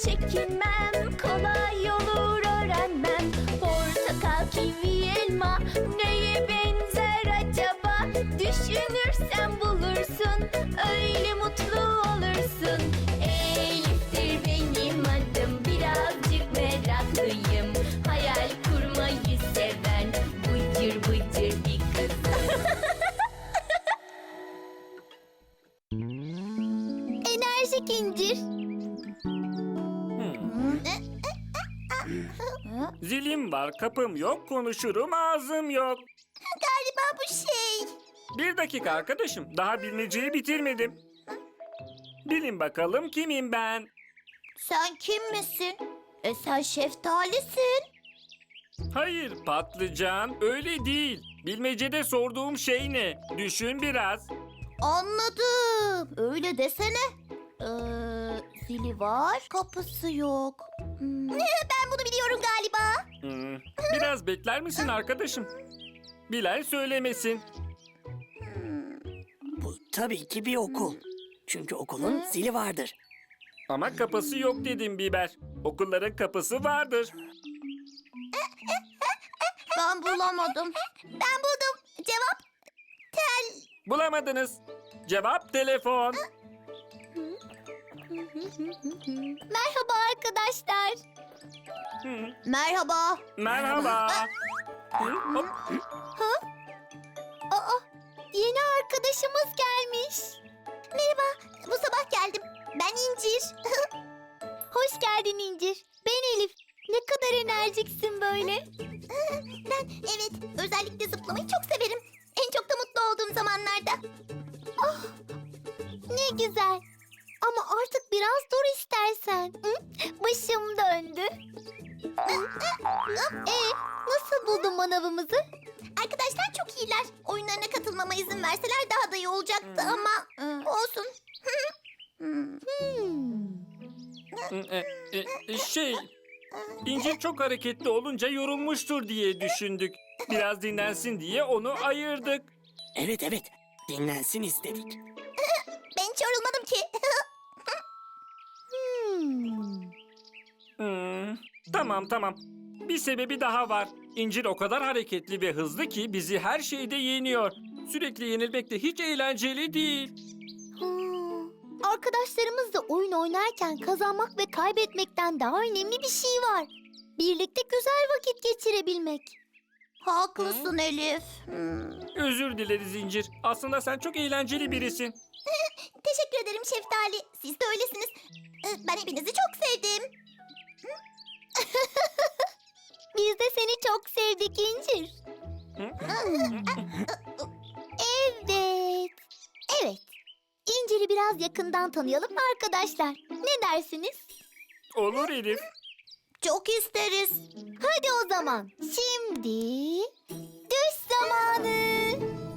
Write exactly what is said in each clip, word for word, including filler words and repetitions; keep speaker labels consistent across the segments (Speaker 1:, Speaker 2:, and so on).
Speaker 1: çekinmem, kolay olur öğrenmem. Portakal, kivi, elma neye benzer acaba? Düşünürsen bulursun, öyle mutlu olursun. Elif'tir benim adım, birazcık meraklıyım. Hayal kurmayı seven bıcır bıcır bir kızım. Enerjik incir.
Speaker 2: Zilim var, kapım yok, konuşurum, ağzım yok.
Speaker 1: Galiba bu şey.
Speaker 2: Bir dakika arkadaşım, daha bilmeceyi bitirmedim. Bilin bakalım kimim ben?
Speaker 1: Sen kim misin? E sen şeftalisin.
Speaker 2: Hayır patlıcan, öyle değil. Bilmecede sorduğum şey ne? Düşün biraz.
Speaker 1: Anladım. Öyle desene. Ee, zili var, kapısı yok. Hmm. Ben bunu biliyorum galiba.
Speaker 2: Hmm, Biraz bekler misin arkadaşım? Bilen söylemesin.
Speaker 3: Bu tabii ki bir okul. Çünkü okulun zili vardır.
Speaker 2: Ama kapısı yok dedim Biber. Okulların kapısı vardır.
Speaker 1: Ben bulamadım. Ben buldum. Cevap tel.
Speaker 2: Bulamadınız. Cevap telefon.
Speaker 1: Merhaba arkadaşlar.
Speaker 2: Hı,
Speaker 1: Merhaba.
Speaker 2: Merhaba. Hı, hop.
Speaker 1: Aa, yeni arkadaşımız gelmiş. Merhaba, bu sabah geldim. Ben İncir. Hoş geldin İncir. Ben Elif. Ne kadar enerjiksin böyle. Ben evet, özellikle zıplamayı çok severim. En çok da mutlu olduğum zamanlarda. Ah, ne güzel. Ama artık biraz dur istersen. Hı? Başım döndü. E, nasıl buldun manavımızı? Arkadaşlar çok iyiler. Oyunlarına katılmama izin verseler daha da iyi olacaktı ama olsun. Hmm.
Speaker 2: E, e, e, Şey, İncil çok hareketli olunca yorulmuştur diye düşündük. Biraz dinlensin diye onu ayırdık.
Speaker 3: Evet evet, dinlensin istedik.
Speaker 1: Ben hiç yorulmadım ki. hmm.
Speaker 2: Hmm, Tamam tamam. Bir sebebi daha var. İncil o kadar hareketli ve hızlı ki bizi her şeyde yeniyor. Sürekli yenilmek de hiç eğlenceli değil.
Speaker 1: Hmm. Arkadaşlarımızla oyun oynarken kazanmak ve kaybetmekten daha önemli bir şey var. Birlikte güzel vakit geçirebilmek. Haklısın Elif. Hmm.
Speaker 2: Özür dileriz İncir. Aslında sen çok eğlenceli birisin.
Speaker 1: Teşekkür ederim Şeftali. Siz de öylesiniz. Ee, Ben hepinizi çok sevdim. Biz de seni çok sevdik İncir. Evet. Evet. İncir'i biraz yakından tanıyalım mı arkadaşlar? Ne dersiniz?
Speaker 2: Olur Elif.
Speaker 1: Çok isteriz. Hadi o zaman. Şimdi düş zamanı.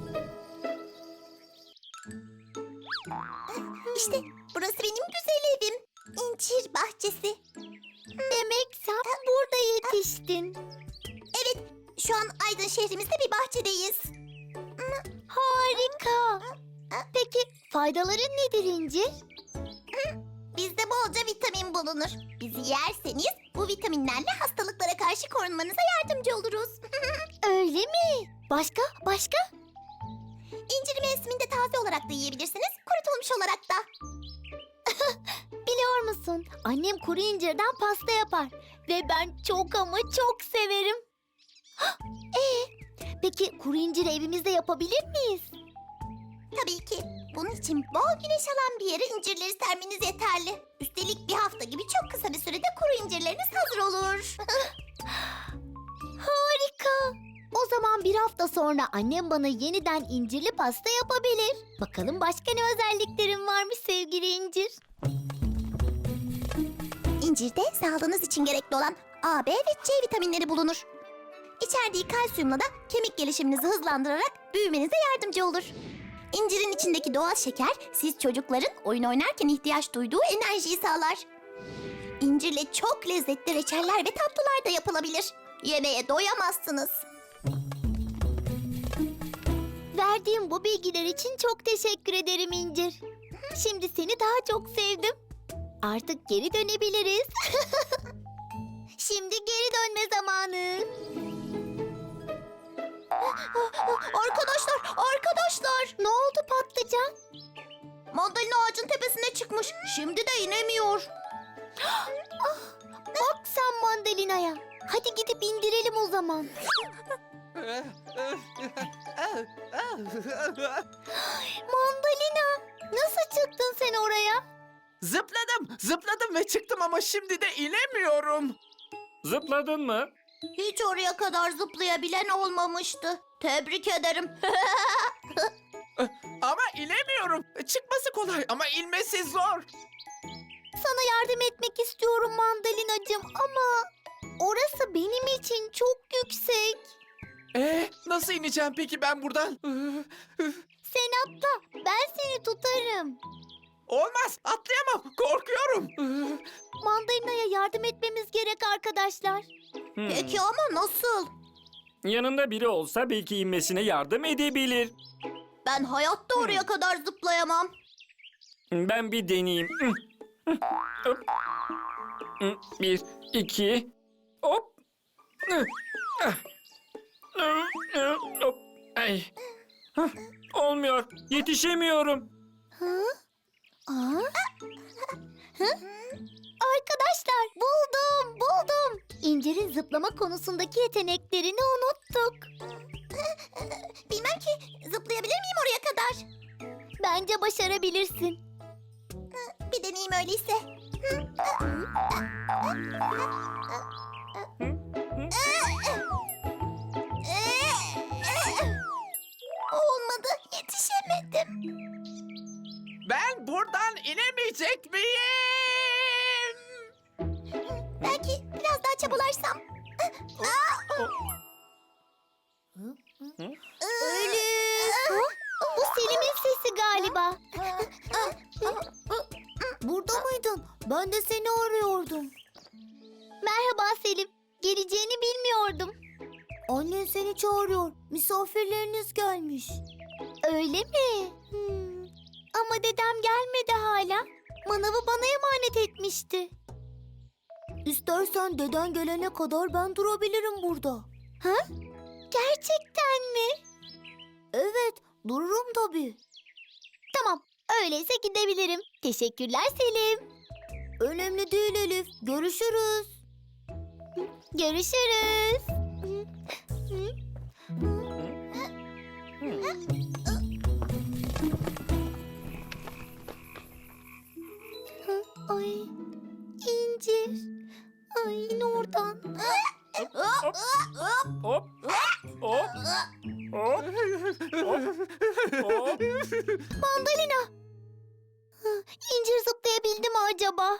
Speaker 1: İşte burası benim güzel evim. İncir bahçesi. Demek sen burada yetiştin. Evet, şu an Aydın şehrimizde bir bahçedeyiz. Harika. Peki faydaları nedir İncir? Bizde bolca vitamin bulunur. Bizi yerseniz bu vitaminlerle hastalıklara karşı korunmanıza yardımcı oluruz. Öyle mi? Başka? Başka? İnciri mevsiminde taze olarak da yiyebilirsiniz, kurutulmuş olarak da. Biliyor musun? Annem kuru incirden pasta yapar. Ve ben çok ama çok severim. Ee, peki kuru inciri evimizde yapabilir miyiz? Tabii ki. Bunun için bol güneş alan bir yere incirleri sermeniz yeterli. Üstelik bir hafta gibi çok kısa bir sürede kuru incirleriniz hazır olur. Harika. O zaman bir hafta sonra annem bana yeniden incirli pasta yapabilir. Bakalım başka ne özelliklerim varmış sevgili incir. İncirde sağlığınız için gerekli olan A, B ve C vitaminleri bulunur. İçerdiği kalsiyumla da kemik gelişiminizi hızlandırarak büyümenize yardımcı olur. İncirin içindeki doğal şeker siz çocukların oyun oynarken ihtiyaç duyduğu enerjiyi sağlar. İncirle çok lezzetli reçeller ve tatlılar da yapılabilir. Yemeye doyamazsınız. Verdiğim bu bilgiler için çok teşekkür ederim İncir. Şimdi seni daha çok sevdim. Artık geri dönebiliriz. Şimdi geri dönme zamanı. Arkadaşlar, arkadaşlar. Ne oldu patlıcan? Mandalina ağacın tepesine çıkmış. Şimdi de inemiyor. Bak sen mandalinaya. Hadi gidip indirelim o zaman. Mandalina, nasıl çıktın sen oraya?
Speaker 4: Zıpladım, zıpladım ve çıktım ama şimdi de inemiyorum.
Speaker 2: Zıpladın mı?
Speaker 1: Hiç oraya kadar zıplayabilen olmamıştı. Tebrik ederim.
Speaker 4: Ama inemiyorum. Çıkması kolay ama inmesi zor.
Speaker 1: Sana yardım etmek istiyorum mandalinacığım ama orası benim için çok yüksek.
Speaker 4: Ee, nasıl ineceğim peki ben buradan?
Speaker 1: Sen atla, ben seni tutarım.
Speaker 4: Olmaz, atlayamam. Korkuyorum.
Speaker 1: Mandalinaya yardım etmemiz gerek arkadaşlar.
Speaker 2: Hmm.
Speaker 1: Peki ama nasıl?
Speaker 2: Yanında biri olsa belki inmesine yardım edebilir.
Speaker 1: Ben hayatta oraya kadar zıplayamam.
Speaker 2: Ben bir deneyeyim. Hop. Bir, iki, hop. Hop. Ay. Hah, olmuyor. Yetişemiyorum.
Speaker 1: Hı? Aa? Hı? Arkadaşlar buldum, buldum. İncir'in zıplama konusundaki yeteneklerini unuttuk. Bilmem ki zıplayabilir miyim oraya kadar? Bence başarabilirsin. Bir deneyeyim öyleyse. Olmadı, yetişemedim.
Speaker 4: Ben buradan inemeyecek miyim?
Speaker 1: Belki biraz daha çabalarsam. Ölüm. Bu Selim'in sesi galiba. Burada mıydın? Ben de seni arıyordum. Merhaba Selim. Geleceğini bilmiyordum. Annen seni çağırıyor. Misafirleriniz gelmiş. Öyle mi? Hmm. Ama dedem gelmedi hala. Manavı bana emanet etmişti. İstersen deden gelene kadar ben durabilirim burada. Ha? Gerçekten mi? Evet, dururum tabii. Tamam, öyleyse gidebilirim. Teşekkürler Selim. Önemli değil Elif. Görüşürüz. Görüşürüz. Ay, İncir. Ay, in oradan.
Speaker 2: Hop. Hop. Hop. Hop. Hop.
Speaker 1: Mandalina. Hı, İncir zıplayabildi mi acaba?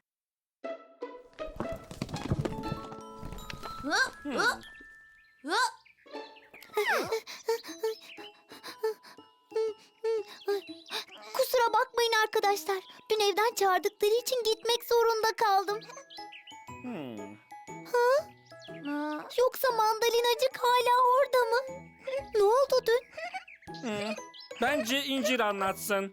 Speaker 1: Kusura bakmayın arkadaşlar. Dün evden çağırdıkları için gitmek zorunda kaldım.
Speaker 2: Hmm.
Speaker 1: Yoksa mandalinacık hala orada mı? Ne oldu dün?
Speaker 2: Hmm. Bence İncir anlatsın.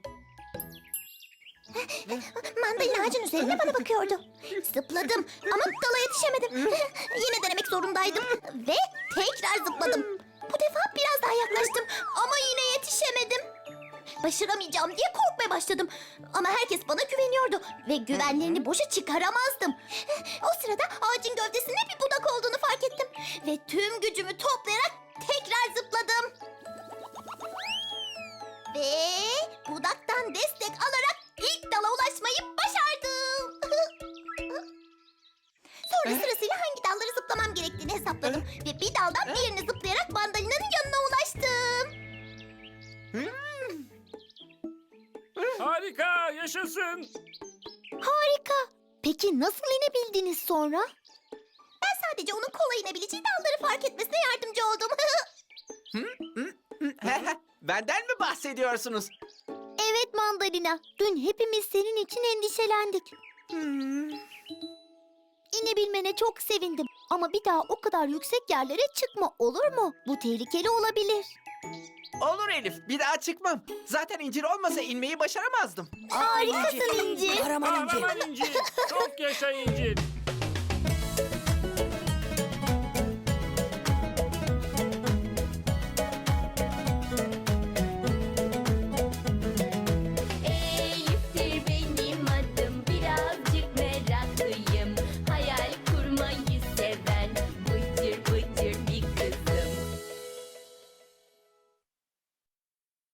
Speaker 1: Mandalina ağacın üzerine bana bakıyordu. Zıpladım ama dala yetişemedim. Yine denemek zorundaydım. Ve tekrar zıpladım. Bu defa biraz daha yaklaştım ama yine yetişemedim. Başaramayacağım diye korkmaya başladım. Ama herkes bana güveniyordu ve güvenlerini boşa çıkaramazdım. O sırada ağacın gövdesinde bir budak olduğunu fark ettim. Ve tüm gücümü toplayarak tekrar zıpladım. Ve budaktan destek alarak ilk dala ulaşmayı başardım. Sonra sırasıyla hangi dalları zıplamam gerektiğini hesapladım. Ve bir daldan diğerine zıplayarak mandalinanın yanına ulaştım.
Speaker 2: Harika, yaşasın.
Speaker 1: Harika. Peki nasıl inebildiniz sonra? Ben sadece onun kolay inebileceği dalları fark etmesine yardımcı oldum.
Speaker 4: Benden mi bahsediyorsunuz?
Speaker 1: Evet Mandalina. Dün hepimiz senin için endişelendik.
Speaker 4: Hmm.
Speaker 1: İnebilmene çok sevindim. Ama bir daha o kadar yüksek yerlere çıkma, olur mu? Bu tehlikeli olabilir.
Speaker 4: Olur Elif, bir daha çıkmam. Zaten incir olmasa inmeyi başaramazdım.
Speaker 1: Harikasın İncir.
Speaker 3: Kahraman İncir.
Speaker 2: Kahraman İncir. Çok yaşa İncir.